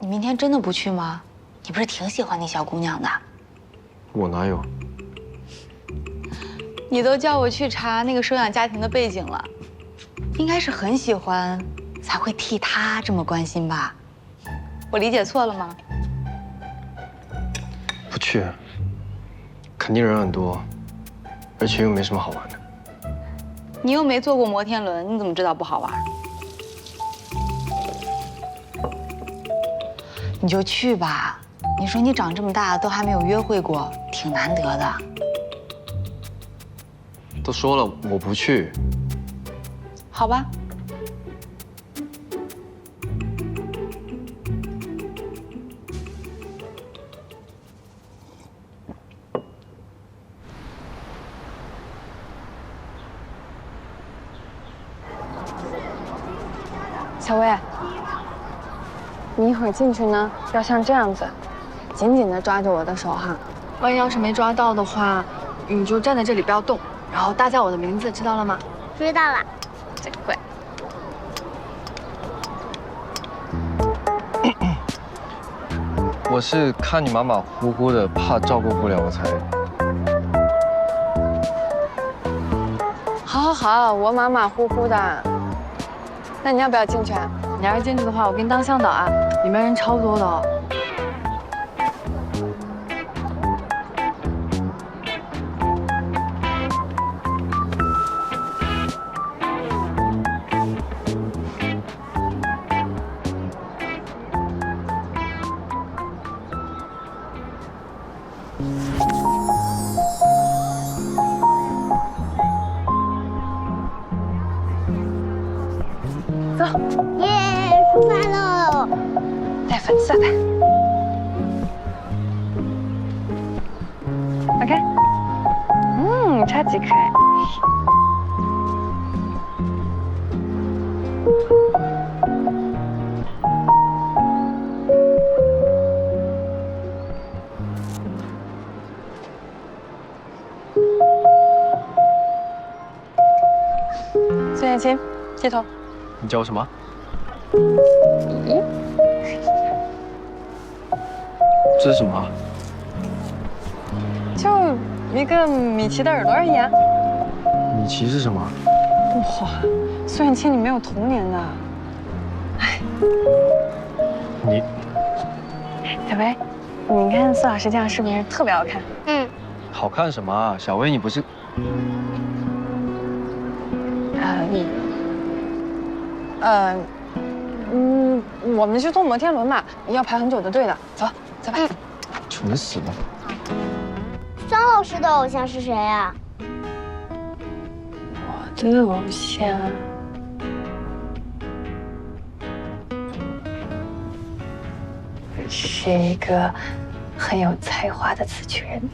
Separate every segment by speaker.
Speaker 1: 明天真的不去吗？你不是挺喜欢那小姑娘的？
Speaker 2: 我哪有？
Speaker 1: 你都叫我去查那个收养家庭的背景了，应该是很喜欢，才会替她这么关心吧？我理解错了吗？
Speaker 2: 不去，肯定人很多，而且又没什么好玩的。
Speaker 1: 你又没坐过摩天轮，你怎么知道不好玩？你就去吧。你说你长这么大都还没有约会过，挺难得的。
Speaker 2: 都说了我不去。
Speaker 1: 好吧。
Speaker 3: 小薇，你一会儿进去呢，要像这样子，紧紧地抓着我的手哈。万一要是没抓到的话，你就站在这里不要动，然后大叫我的名字，知道了吗？
Speaker 4: 知道了。
Speaker 3: 真乖。
Speaker 2: 我是看你马马虎虎的，怕照顾不了我才。
Speaker 3: 好，我马马虎虎的。那你要不要进去啊？你要是进去的话，我给你当向导啊，里面人超多的哦。走，
Speaker 4: 耶，出发喽！
Speaker 3: 带粉色的。OK， 超级可爱。孙燕青，低头。
Speaker 2: 你叫我什么？这是什么啊？
Speaker 3: 就一个米奇的耳朵而已啊。
Speaker 2: 米奇是什么？
Speaker 3: 哇，孙燕青，你没有童年的。哎，
Speaker 2: 你
Speaker 3: 小薇，你看苏老师这样是不是特别好看？
Speaker 2: 好看什么啊？小薇，你不是？
Speaker 3: 我们去坐摩天轮嘛，要排很久的队的。走，走吧。
Speaker 2: 蠢死了。
Speaker 4: 张老师的偶像是谁呀？
Speaker 3: 我的偶像是一个很有才华的词曲人。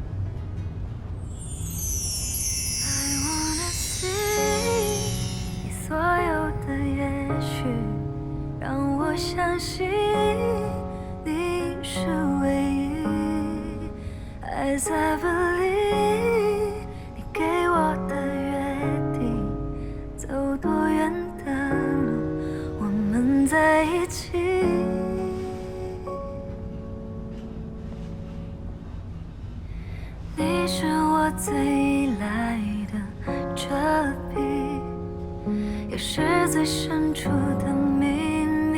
Speaker 5: 所有的也许让我相信你是唯一 As I believe 你给我的约定走多远的路我们在一起你是我最依赖的遮蔽也是最深处的秘密，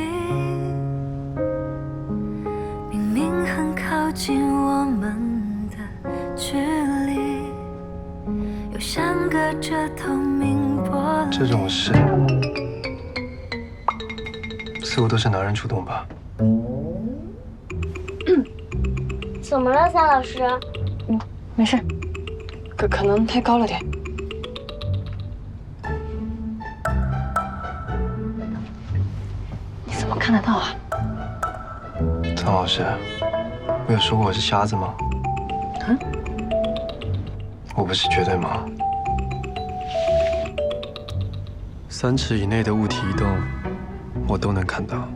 Speaker 5: 明明很靠近我们的距离，又像隔着透明玻璃。
Speaker 2: 这种事似乎都是男人主动吧？
Speaker 4: 怎么了，桑老师？
Speaker 3: 没事，可能太高了点。怎么看得到啊？
Speaker 2: 张老师，我有说过我是瞎子吗？我不是绝对吗？3尺以内的物体移动，我都能看到。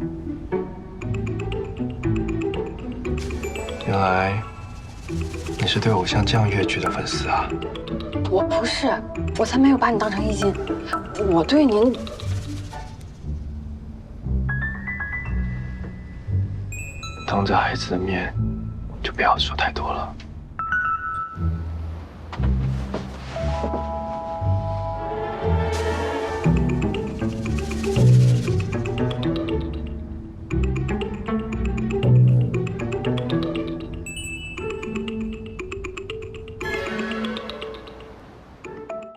Speaker 2: 原来你是对偶像这样越剧的粉丝啊？
Speaker 3: 我不是，我才没有把你当成艺妓，我对您。
Speaker 2: 当着孩子的面，就不要说太多了。